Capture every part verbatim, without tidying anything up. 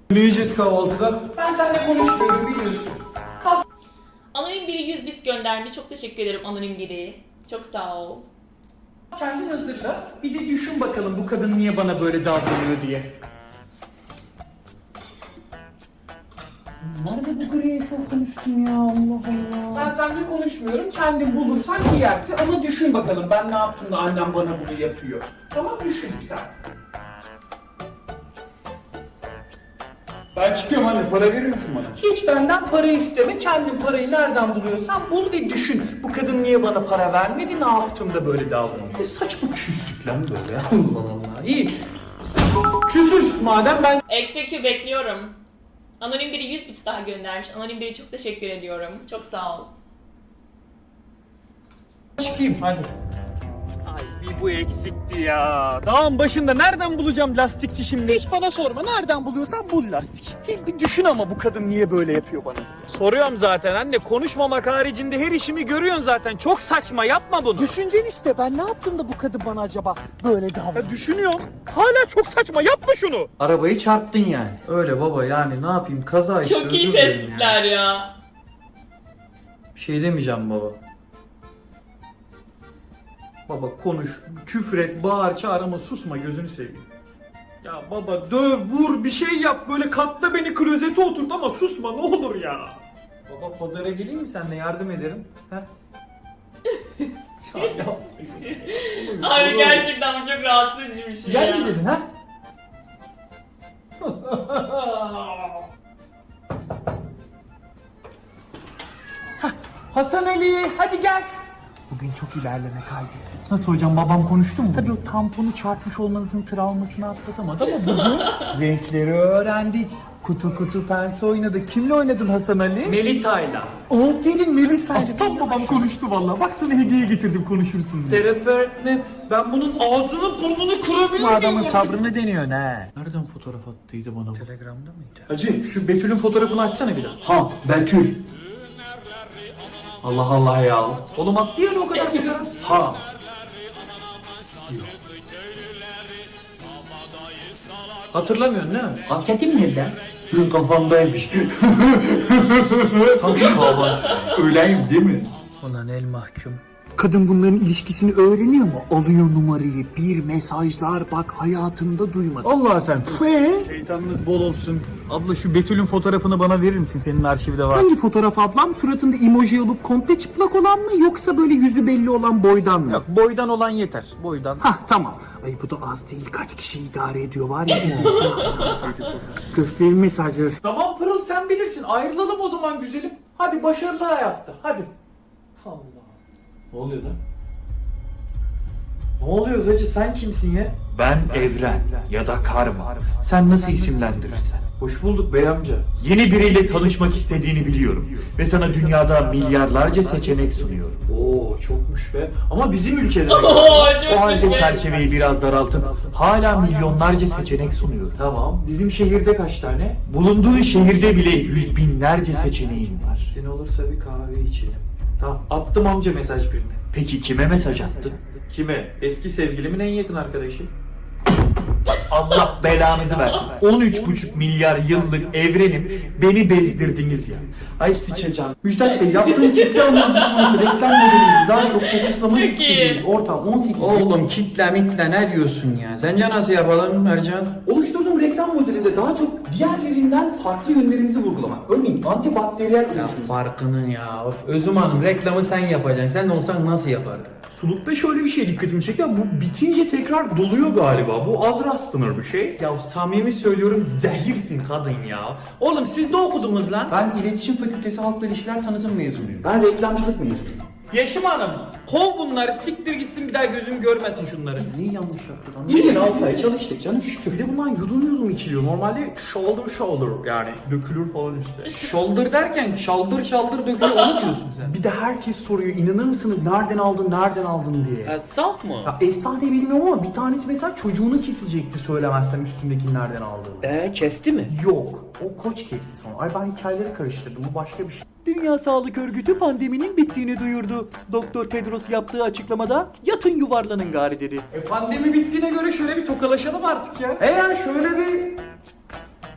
Ne yiyeceğiz kahvaltıda? Ben seninle konuşmuyorum biliyorsun. Kalk. Anonim biri yüz bit göndermiş. Çok teşekkür ederim anonim biri. Çok sağ ol. Kendin hazırla. Bir de düşün bakalım bu kadın niye bana böyle davranıyor diye. Nerede bu gri eşofman üstüm ya, Allah Allah. Ben seninle konuşmuyorum. Kendin bulursan giyersin ama düşün bakalım ben ne yaptım da annem bana bunu yapıyor. Tamam düşün sen. Ben çıkıyorum anne, para verir misin bana? Hiç benden para isteme. Kendin parayı nereden buluyorsan bul ve düşün. Bu kadın niye bana para vermedi? Ne yaptım da böyle davranıyor? Ne saçma küslük lan böyle ya. Allah Allah. İyi. Küsüz madem ben Execute bekliyorum. Anonim biri yüz bit daha göndermiş. Anonim biri çok teşekkür ediyorum. Çok sağ ol. çıkayım hadi. Ay bir bu eksikti ya. Dağın başında nereden bulacağım lastikçi şimdi? Hiç bana sorma. Nereden buluyorsan bul lastik. Bir, bir düşün ama bu kadın niye böyle yapıyor bana? Soruyorum zaten anne, konuşmamak haricinde her işimi görüyorsun zaten. Çok saçma, yapma bunu. Düşüncen işte ben ne yaptım da bu kadın bana acaba böyle davranıyor? Ya düşünüyorum. Hala çok saçma, yapma şunu. Arabayı çarptın yani. Öyle baba, yani ne yapayım, kaza işte. Çok iyi özür dilerim tespitler ya. ya. Bir şey demeyeceğim baba. Baba konuş, küfür et, bağır, çağır ama susma, gözünü seveyim. Ya baba döv, vur, bir şey yap, böyle katla beni klozete oturt ama susma ne olur ya. Baba pazara geleyim mi, seninle yardım ederim? He? Ya yapma. Abi gerçekten bu çok rahatsız edici bir şey Gel ya. mi dedin ha? Hasan Ali hadi gel. Bugün çok ilerleme kaydettik. Nasıl hocam, babam konuştu mu? Tabii o tamponu çarpmış olmanızın travmasını atlatamadı ama bugün renkleri öğrendik. Kutu kutu pense oynadık. Kimle oynadın Hasan Ali? Melita'yla. Aferin Melisa. Aslan babam konuştu vallahi. Bak sana hediye getirdim, konuşursun diye. Terapi öğretmenim, ben bunun Ağzını burnunu kırabilir Bu miyim? adamın sabrını deniyor ne? nereden fotoğraf attıydı bana bu? Telegram'da mıydı? Hacı şu Betül'ün fotoğrafını açsana bir daha. Ha, Betül. Allah Allah ya. Oğlum attı ya o kadar bir gara. Ha. Hatırlamıyorsun değil mi? Kasketim nerede? Hı, kafamdaymış. Tam şaban. Öyleyim değil mi? Ulan el mahkum. Kadın bunların ilişkisini öğreniyor mu? Alıyor numarayı, bir mesajlar bak hayatımda duymadım. Allah sen. Eee? Şeytanınız bol olsun. Abla şu Betül'ün fotoğrafını bana verir misin? Senin arşivde var. Hangi fotoğraf ablam? Suratında emoji olup komple çıplak olan mı yoksa böyle yüzü belli olan boydan mı? Yok, boydan olan yeter. Boydan. Hah tamam. Ay bu da az değil. Kaç kişi idare ediyor var ya. Gösterin mesajları. Tamam Pırıl, sen bilirsin. Ayrılalım o zaman güzelim. Hadi başarılı hayatta. Hadi. Allah. Ne oluyor lan? Ne oluyor Zacı, sen kimsin ya? Ben Evren ya da Karma. Sen nasıl isimlendirirsen. Hoş bulduk bey amca. Yeni biriyle tanışmak istediğini biliyorum. Ve sana dünyada milyarlarca seçenek sunuyorum. Oo çokmuş be. Ama bizim ülkede. Oo çok O halde güzel. çerçeveyi biraz daraltıp hala milyonlarca seçenek sunuyorum. Tamam. Bizim şehirde kaç tane? Bulunduğun şehirde bile yüz binlerce seçeneğin var. Ne olursa bir kahve içelim. Tamam. Attım amca mesaj birine. Peki kime mesaj attın? Kime? Eski sevgilimin en yakın arkadaşı. Allah belanızı versin. on üç buçuk milyar yıllık evrenim, beni bezdirdiniz ya. Ay sıçacağım. Müjdat Bey, yaptığım kitle analizması reklam modelimizi daha çok fokuslamak Çok istediğimiz iyi. ortam on sekiz. Oğlum kitle mitle ne diyorsun ya? Sence nasıl yapalım Ercan? Oluşturduğum reklam modelinde daha çok diğerlerinden farklı yönlerimizi vurgulamak. Örneğin antibakteriyel Ya oluşum. farkının ya. Of, Özüm Hanım reklamı sen yapacaksın. Sen olsan nasıl yapardın? Sulukta şöyle bir şey dikkatimi çekti. Bu bitince tekrar doluyor galiba. Bu az rastlanır bir şey. Ya samimi söylüyorum, zehirsin kadın ya. Oğlum siz ne okudunuz lan? Ben İletişim Fakültesi Halkla İlişkiler Tanıtım mezunuyum. Ben reklamcılık mezunuyum. Yaşım Hanım, kov bunları, siktir gitsin, bir daha gözüm görmesin şunları. Neyi yanlış yaptık lan? Bir yıl altı ay çalıştık canım şükür. Bir de bundan yudum yudum içiliyor. Normalde shoulder shoulder yani dökülür falan işte. Shoulder derken şaldır şaldır döküyor onu diyorsun sen. Bir de herkes soruyor, inanır mısınız nereden aldın nereden aldın diye. Esnaf mı? Ya efsane bilmiyorum ama bir tanesi mesela çocuğunu kesecekti söylemezsem üstündekini nereden aldığını. Eee kesti mi? Yok. O koç kesti sonra. Ay ben hikayeleri karıştırdım. Bu başka bir şey. Dünya Sağlık Örgütü pandeminin bittiğini duyurdu. Doktor Tedros yaptığı açıklamada yatın yuvarlanın gari dedi. E pandemi bittiğine göre şöyle bir tokalaşalım artık ya. E ya şöyle bir...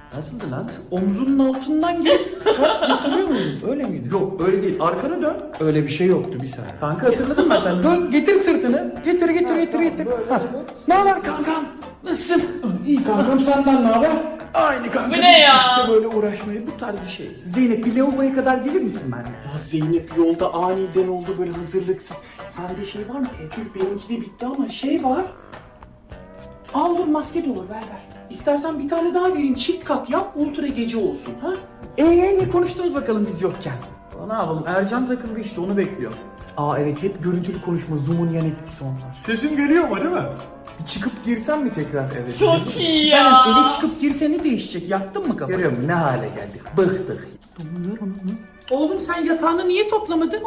Nasıldı lan? Omzunun altından gelip ters yatırıyor muydun? Öyle miydi? Yok öyle değil. Arkana dön. Öyle bir şey yoktu bir saniye. Kanka hatırladın mı sen? Dön getir sırtını. Getir getir getir getir. Ha. Ne haber kankam? Nasılsın? İyi kankam, senden ne haber? Aynı kanka. Bu ne ya? İşte böyle uğraşmayı, bu tarz bir şey. Zeynep bir lavaboya kadar gelir misin benimle? Ya Zeynep yolda aniden oldu böyle hazırlıksız. Sende şey var mı? Tecrübe benimki de bitti ama şey var. Al dur, maske de olur, ver ver. İstersen bir tane daha vereyim, çift kat yap, ultra gece olsun ha. Eee ne konuştunuz bakalım biz yokken? Ne yapalım, Ercan takıldı işte, onu bekliyor. Aa evet, hep görüntülü konuşma, Zoom'un yan etkisi onlar. Sesim geliyor mu değil mi? Bir çıkıp girsem mi tekrar eve? Çok iyi ya. Yani eve çıkıp girse ne değişecek? Yaktın mı kafanı? Görüyor musun ne hale geldik? Bıktık. Domuyor onu. Oğlum sen yatağını niye toplamadın?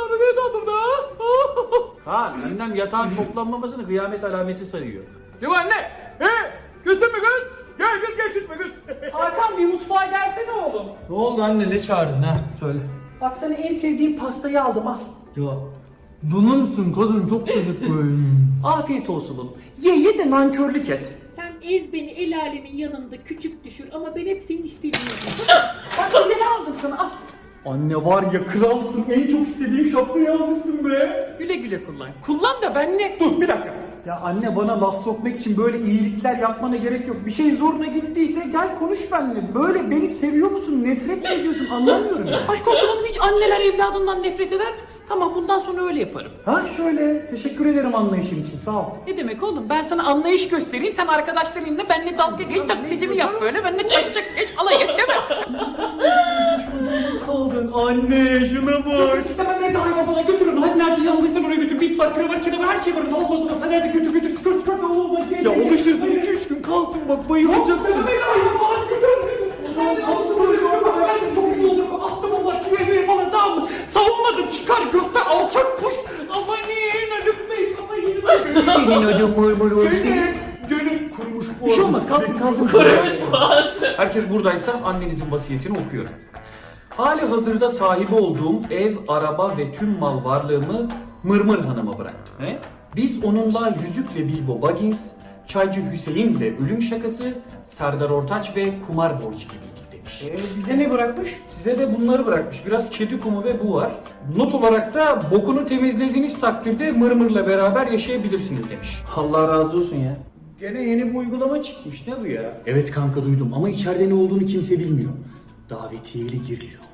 Kaan annem yatağın toplanmamasını kıyamet alameti sayıyor. Yok anne. He? Küstün mü kız? Gel kız gel küsme kız. Hakan bir mutfağa gelsene oğlum. Ne oldu anne, ne çağırdın ha? Söyle. Bak sana en sevdiğim pastayı aldım, al. Ya bununsun kadın, çok dedik böyle. Afiyet olsun oğlum. Ye ye de nankörlük et. Sen ez beni el alemin yanında küçük düşür ama ben hep senin istediğin yapayım. Bak ne aldım sana, al. Anne var ya kralsın. En çok istediğim şapkayı almışsın be. Güle güle kullan. Kullan da ben ne? Dur bir dakika. Ya anne, bana laf sokmak için böyle iyilikler yapmana gerek yok. Bir şey zoruna gittiyse gel konuş benimle. Böyle beni seviyor musun, nefret mi ediyorsun, anlamıyorum ya. Aşk olsun oğlum, hiç anneler evladından nefret eder. Tamam, bundan sonra öyle yaparım. Ha şöyle, teşekkür ederim anlayışın için, sağ ol. Ne demek oğlum? Ben sana anlayış göstereyim. Sen arkadaşlarınla benimle dalga geç, taklidimi yap böyle. Benimle taşacak geç, alay et değil mi? Kaldın anne şuna bak. İstemem nerede hayvan bana götürün. Hadi nerede yanlıysan oraya götür. Bit var, kravat, kenara her şey var. Ne olmaz olmaz. Hadi hadi götür götür. Sıkır sıkır. Ya alışırsın iki üç gün kalsın bak bayılacaksın. Beni hayvan bana götür. Kalsın oraya. Ben çok iyi olurum. Astımım var. Küvemeye falan, tamam mı? Savunmadım. Çıkar göster. Alçak kuş. Aman iyi. Haluk Bey. Kafayı yedim. Senin ödüm mırmır Gönül, gönül kurumuş bu. Bir şey olmaz, kalsın kalsın. Kurumuş boğazı. Herkes buradaysa annenizin vasiyetini okuyorum. Hali hazırda sahibi olduğum ev, araba ve tüm mal varlığımı Mırmır Hanım'a bıraktım. He? Biz onunla Yüzükle Bilbo Baggins, Çaycı Hüseyin'le Ölüm Şakası, Serdar Ortaç ve Kumar Borcu gibiydik demiş. Ee, bize ne bırakmış? Size de bunları bırakmış. Biraz kedi kumu ve bu var. Not olarak da bokunu temizlediğiniz takdirde Mırmır'la beraber yaşayabilirsiniz demiş. Allah razı olsun ya. Gene yeni bir uygulama çıkmış. Ne bu ya? Evet kanka, duydum ama içeride ne olduğunu kimse bilmiyor. Davetiyeli giriliyormuş.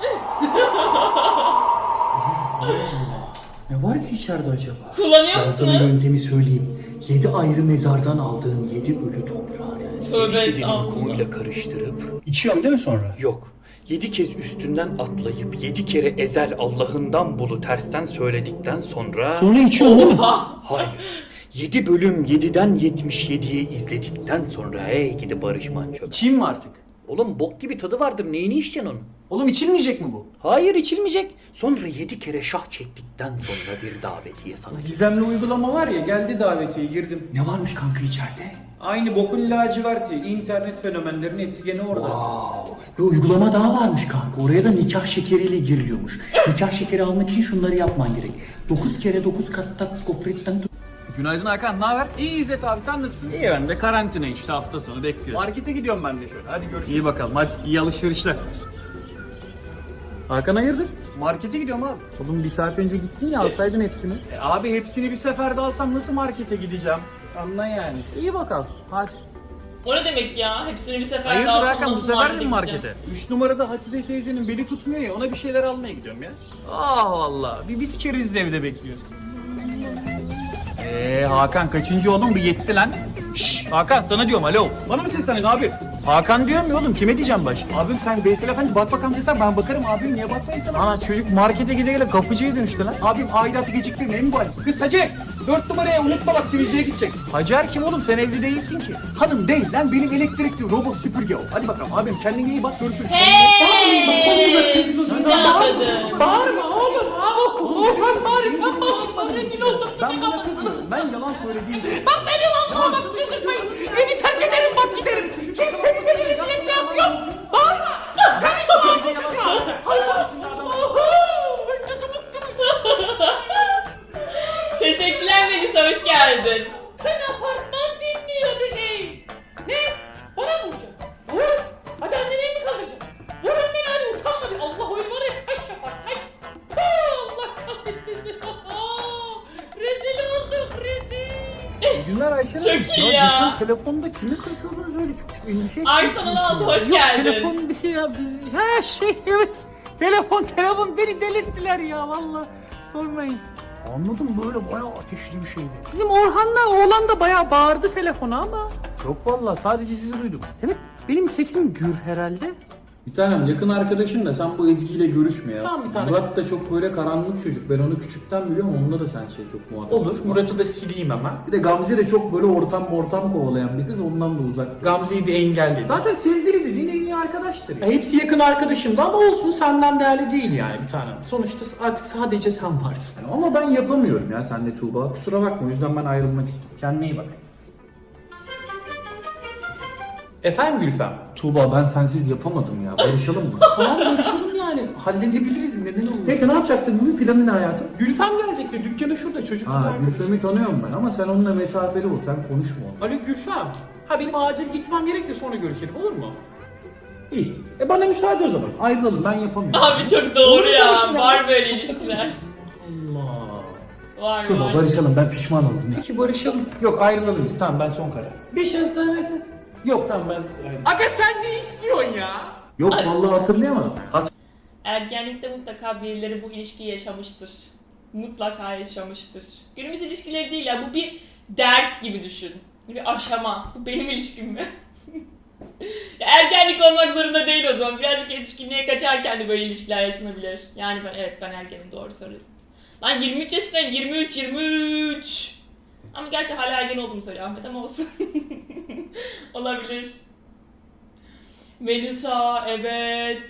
Ne var ki içeride acaba? Kullanıyor Ben sana musunuz? yöntemi söyleyeyim. Yedi ayrı mezardan aldığın yedi ölü toprağı. Tövbe Kedinin estağfurullah. kumuyla karıştırıp İçiyorum değil mi sonra? yok. Yedi kez üstünden atlayıp yedi kere ezel Allah'ından bulu tersten söyledikten sonra... Sonra içiyorum değil mi? Hayır. Yedi bölüm yediden yetmiş yediye izledikten sonra hey gidi Barış Manço. İçeyim mi artık? Oğlum bok gibi tadı vardır, neyini içeceksin onun? Oğlum içilmeyecek mi bu? Hayır, içilmeyecek. Sonra yedi kere şah çektikten sonra bir davetiye sana. Gizemli uygulama var ya, geldi davetiye, girdim. Ne varmış kanka içeride? Aynı bokun laciverti, internet fenomenlerin hepsi gene orada. Wow. Bir uygulama daha varmış kanka. Oraya da nikah şekeriyle giriliyormuş. Nikah şekeri almak için şunları yapman gerek. Dokuz kere dokuz katta gofretten tut. Günaydın Hakan, ne haber? İyi İzzet abi, sen nasılsın? İyi, ben de karantina işte, hafta sonu bekliyorum. Markete gidiyorum ben de şöyle, hadi görüşürüz. İyi bakalım, hadi iyi alışverişler. Hakan hayırdır? Markete gidiyorum abi. Oğlum bir saat önce gittin ya, alsaydın hepsini. E, abi hepsini bir seferde alsam nasıl markete gideceğim? Anla yani. İyi bakalım. Hadi. O ne demek ya? Hepsini bir seferde Hayırdır alsam Hakan, bu nasıl sefer mi gideceğim? markete? Üç numarada Hatice teyzenin beli tutmuyor ya, ona bir şeyler almaya gidiyorum ya. Ah vallahi, bir biz keriz evde bekliyorsun. Eee Hakan kaçıncı oğlum, bir yetti lan. Şşş Hakan, sana diyorum alo. Bana mı sesleniyorsun abi? Hakan diyorum ya oğlum, kime diyeceğim baş? Abim sen Veysel Efendi bak bakalım desen ben bakarım, abim niye bakmayın sana? Ana çocuk markete gide gele kapıcıya dönüştü lan. Abim aidatı geciktirme en bari. Kız Hacer, dört numaraya unutma bak temizliğe gidecek. Hacer kim oğlum, sen evli değilsin ki. Hanım değil lan, benim elektrikli robot süpürge o. Hadi bakalım abim, kendine iyi bak, görüşürüz. Hey! Şimdi anladım. Bağırma oğlum. Orhan bağırma. Bağırma. Rezil oldum. Ben buna kızmıyorum. Ben yalan söylediğim için. Bak benim Allah'ıma bak, çıldırmayın. Evi terk ederim, bak giderim. Kimse bize bir rezil etme yok. Bağırma. Sen hiç bağırma. Hayvan. Teşekkürler Melisa, hoş geldin. Sen apartman dinliyor bebeğim. Ne? Bana mı vuracaksın? Vur. Rezil olduk rezil. İyi günler Ayşe Hanım. Çok iyi ya. Geçen telefonda kimi kızıyordunuz öyle çok endişe Arsenal etmişsiniz aldı, ya. hoş Yok, geldin. telefon değil ya biz. Ha şey evet. Telefon telefon beni delirttiler ya valla. Sormayın. Anladım böyle bayağı ateşli bir şeydi. Bizim Orhan'la oğlan da bayağı bağırdı telefona ama. Yok valla sadece sizi duydum. Demek benim sesim gür herhalde. Bir tanem yakın arkadaşın da sen bu Ezgi ile görüşme ya. Tamam bir tane. Murat da çok böyle karanlık çocuk. Ben onu küçükten biliyorum. Onunla da sen şey çok muhatap. Olur. Murat'ı da sileyim hemen. Bir de Gamze de çok böyle ortam ortam kovalayan bir kız. Ondan da uzak. Gamze'yi bir engelledim. Zaten sevgili dediğin en iyi arkadaştır ya. Ya hepsi yakın arkadaşımdı ama olsun senden değerli değil yani bir tanem. Sonuçta artık sadece sen varsın. Ama ben yapamıyorum ya senle Tuğba. Kusura bakma. O yüzden ben ayrılmak istiyorum. Kendine iyi bak. Efendim Gülfem? Tuğba ben sensiz yapamadım ya. Barışalım mı? Tamam görüşelim yani. Halledebiliriz neden olmasın. Neyse ne yapacaktın? Bugün planın ne hayatım? Gülfem gelecekti. Dükkanı şurada çocuk. Ha Gülfem'i tanıyorum ben ama sen onunla mesafeli ol. Sen konuşma onunla. Alo Gülfem. Ha benim acil gitmem gerek de sonra görüşelim olur mu? İyi. E bana müsaade o zaman. Ayrılalım ben yapamıyorum. Abi çok doğru Olur ya. konuşma. Var böyle ilişkiler. Allah. Var Tuğba var. barışalım ben pişman oldum. Peki barışalım. Yok ayrılalım biz tamam ben son karar. Bir şans daha versin. Yok tamam ben ayrılalım. Aga sen ne istiyorsun ya? Yok vallahi hatırlayamadım. Has Ergenlikte mutlaka birileri bu ilişkiyi yaşamıştır. Mutlaka yaşamıştır. Günümüz ilişkileri değil ya, bu bir ders gibi düşün. Bir aşama. Bu benim ilişkim mi? Ya ergenlik olmak zorunda değil o zaman. Birazcık yetişkinliğe kaçarken de böyle ilişkiler yaşanabilir. Yani ben evet ben ergenim, doğru söylüyorsunuz. Lan yirmi üç yaşındayım, yirmi üç yirmi üç. Ama gerçi hala ergen olduğumu söylüyor Ahmet ama olsun. Olabilir. Melisa evet.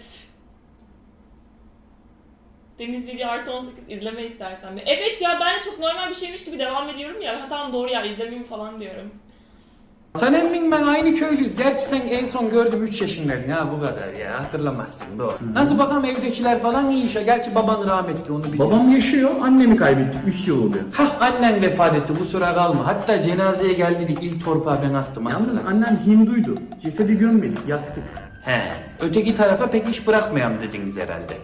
Deniz Video artı on sekiz izleme istersen. Evet ya ben de çok normal bir şeymiş gibi devam ediyorum ya. Ha tamam doğru ya izlemeyeyim falan diyorum. Sen emmin ben aynı köylüyüz. Gerçi sen en son gördüm üç yaşındaydın ha bu kadar ya hatırlamazsın doğru. Nasıl bakalım evdekiler falan iyi işe. Gerçi baban rahmetli onu biliyorsun. Babam yaşıyor. Annemi kaybettik. üç yıl oluyor. Hah annen vefat etti kusura kalma. Hatta cenazeye geldik ilk torpağı ben attım. Yalnız hatırla. annem Hinduydu. Cesedi gömmedik. Yaktık. He, öteki tarafa pek iş bırakmayam dediniz herhalde.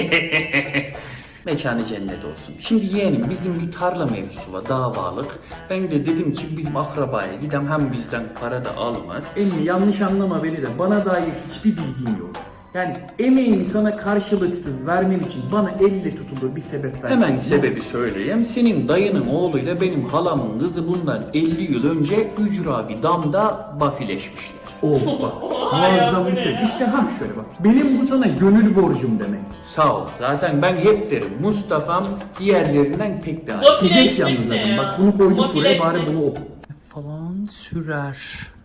Mekanı cennet olsun. Şimdi yeğenim bizim bir tarla mevzusu var davalık. Ben de dedim ki bizim akrabaya gidem hem bizden para da almaz. Emmi yanlış anlama beni de bana dair hiçbir bilgin yok. Yani emeğimi sana karşılıksız vermem için bana elle tutulur bir sebep versin. Hemen sebebi söyleyeyim. Senin dayının oğluyla benim halamın kızı bundan elli yıl önce ücra bir damda bafileşmişler. Oh bak Oha ya, muazzam bu bir ne şey. ya? İşte ha şöyle bak. Benim bu sana gönül borcum demek. Sağ ol. Zaten ben hep derim Mustafa'm diğerlerinden pek daha iyi. Bafileşmek Fizek yalnız ne zaten. ya? Bak bunu koyduk buraya bari Bafileşmek. bunu oku. Falan sürer.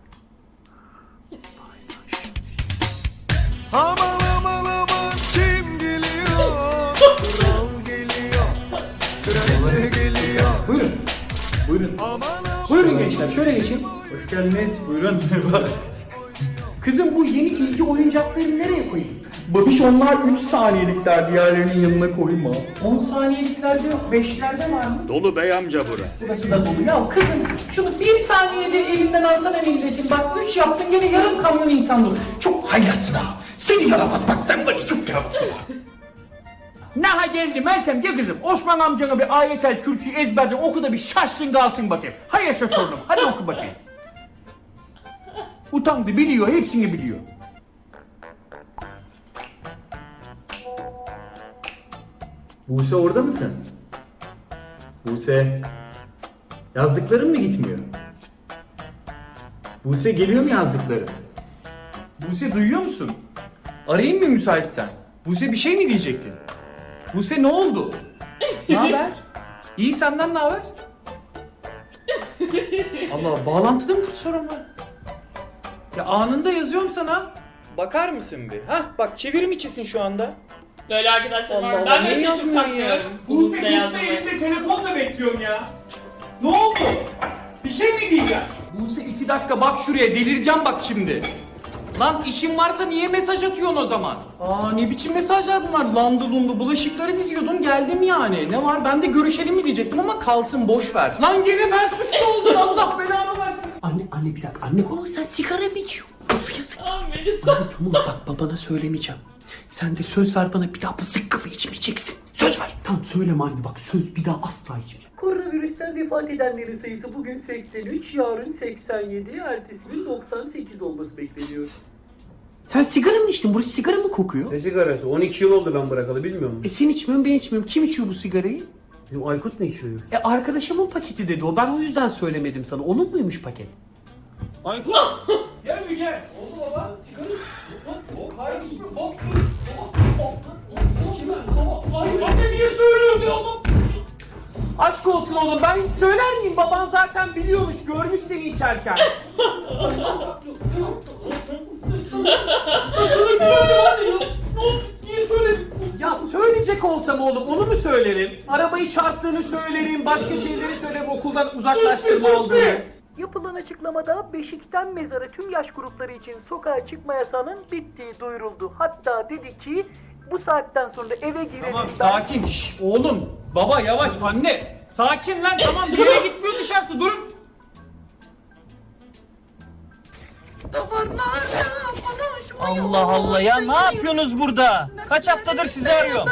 Aman aman aman kim geliyor? Kral geliyor. Kraliçe geliyor. Buyurun. Buyurun. Aman aman. Buyurun gençler şöyle geçin. Hoş geldiniz. Buyurun. Merhaba. Kızım bu yeni ilgi oyuncaklarını nereye koyayım? Babiş onlar üç saniyelikler diğerlerinin yanına koyma. on saniyeliklerde yok. beşlerde var mı? Dolu bey amca bura. Burası da dolu. Ya kızım şunu bir saniyede elinden alsana milletin. Bak üç yaptın gene yarım kamyon insan dolu. Çok haylazsın ha. Seni yaramaz bak sen bana çok yaramazsın ha. Naha geldi Meltem gel kızım. Osman amcana bir ayetel kürsüyü ezberden oku da bir şaşsın kalsın bakayım. Hay yaşa torunum hadi oku bakayım. Utandı biliyor hepsini biliyor. Buse orada mısın? Buse. Yazdıkların mı gitmiyor? Buse geliyor mu yazdıkları? Buse duyuyor musun? Arayayım mı müsaitsen? Buse bir şey mi diyecektin? Buse ne oldu? Ne haber? İyi senden ne haber? Allah bağlantıda mı sorun var? Ya anında yazıyorum sana. Bakar mısın bir? Hah bak çevirim içisin şu anda. Böyle arkadaşlar var. Allah Ben Allah, böyle niye şey çok yazmıyorsun takmıyorum. Buse Buse işte yazmayı. elimde telefonla bekliyorum ya. Ne oldu? Bir şey mi diyeceğim? Buse iki dakika bak şuraya delireceğim bak şimdi. Lan işin varsa niye mesaj atıyorsun o zaman? Aa ne biçim mesajlar bunlar? Landı lundu bulaşıkları diziyordun geldim yani. Ne var ben de görüşelim mi diyecektim ama kalsın boş ver. Lan gene ben suçlu oldum Allah belanı versin. Anne anne bir dakika anne. Oo sen sigara mı içiyorsun? Of yazık. Aa Melisa. Tamam bak babana söylemeyeceğim. Sen de söz ver bana, bir daha bu zıkkımı içmeyeceksin. Söz ver. Tamam söyleme anne, bak söz, bir daha asla içmeyeceğim. Koronavirüsten vefat edenlerin sayısı bugün seksen üç, yarın seksen yedi, ertesi gün doksan sekiz olması bekleniyor. Sen sigara mı içtin? Burası sigara mı kokuyor? Ne sigarası? on iki yıl oldu ben bırakalı, bilmiyor musun? E sen içmiyorsun, ben içmiyorum. Kim içiyor bu sigarayı? Bizim Aykut mu içiyor? E arkadaşımın paketi dedi o. Ben o yüzden söylemedim sana. Onun muymuş paket? Aykut! Gel bir gel. Oldu baba. Sigara. Bok hayır içme. Bok. Anne niye söylüyorsun ya oğlum? Aşk olsun oğlum, ben hiç söyler miyim? Baban zaten biliyormuş, görmüş seni içerken. Niye söyledin? Ya söyleyecek olsam oğlum onu mu söylerim? Arabayı çarptığını söylerim, başka şeyleri söylerim, okuldan uzaklaştırma aldığını. Yapılan açıklamada Beşik'ten mezara tüm yaş grupları için sokağa çıkma yasağının bittiği duyuruldu. Hatta dedi ki bu saatten sonra eve girelim. Tamam ben- sakin. Şş, oğlum. Baba yavaş anne. Sakin lan tamam bir yere gitmiyor dışarısı durun. Allah Allah ya, ne yapıyorsunuz burada? Kaç haftadır sizi arıyorum.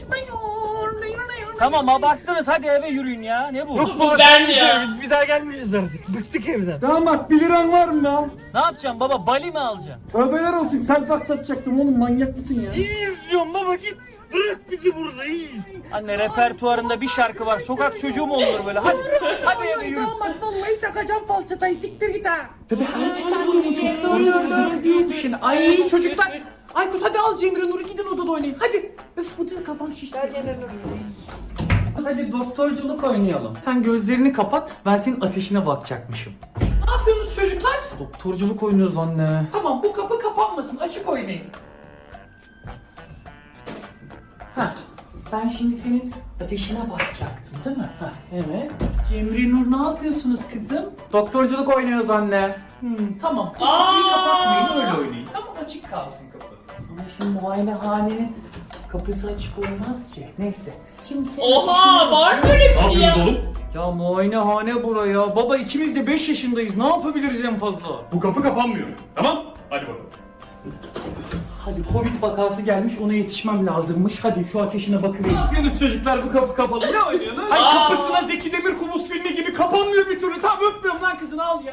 Tamam abarttınız, hadi eve yürüyün ya. Ne bu? Bu ben ya. Biz bir daha gelmeyeceğiz artık. Bıktık evden. Damat bir liran var mı ya? Ne yapacaksın baba? Bali mi alacaksın? Tövbeler olsun, selpak satacaktım oğlum, manyak mısın ya? İzliyorum baba, git. Bırak bizi burada, iyi. Anne repertuarında bir şarkı var. Sokak çocuğu mu olur böyle? Hadi. Hadi eve yürü. Vallahi takacağım falçatayı, siktir git ha. Tabii hadi sen de diye düşün. Ay çocuklar. Aykut hadi al Cemre Nur'u, gidin odada oynayın. Hadi. Öf bu da kafam şişti. Gel Cemre Nur. Hadi doktorculuk oynayalım. Sen gözlerini kapat, ben senin ateşine bakacakmışım. Ne yapıyorsunuz çocuklar? Doktorculuk oynuyoruz anne. Tamam bu kapı kapanmasın, açık oynayın. Heh, ben şimdi senin ateşine bakacaktım değil mi? Heh, evet. Cemre Nur ne yapıyorsunuz kızım? Doktorculuk oynuyoruz anne. Hmm, tamam. Bu kapıyı Aa! kapatmayın, öyle oynayın. Tamam açık kalsın kapı. Ama şimdi muayenehanenin kapısı açık olmaz ki. Neyse. Şimdi senin Oha ateşine var mı bakacağım. böyle bir şey ya? Ya muayenehane buraya. Baba ikimiz de beş yaşındayız. Ne yapabiliriz en fazla? Bu kapı kapanmıyor. Tamam? Hadi bakalım. Hadi Covid vakası gelmiş, ona yetişmem lazımmış. Hadi şu ateşine Ne bakıvereyim. yapıyorsunuz çocuklar, bu kapı kapalı? Ne oynuyorsunuz? Ay kapısına Zeki Demirkubuz filmi gibi kapanmıyor bir türlü. Tamam öpmüyorum lan kızını, al ya.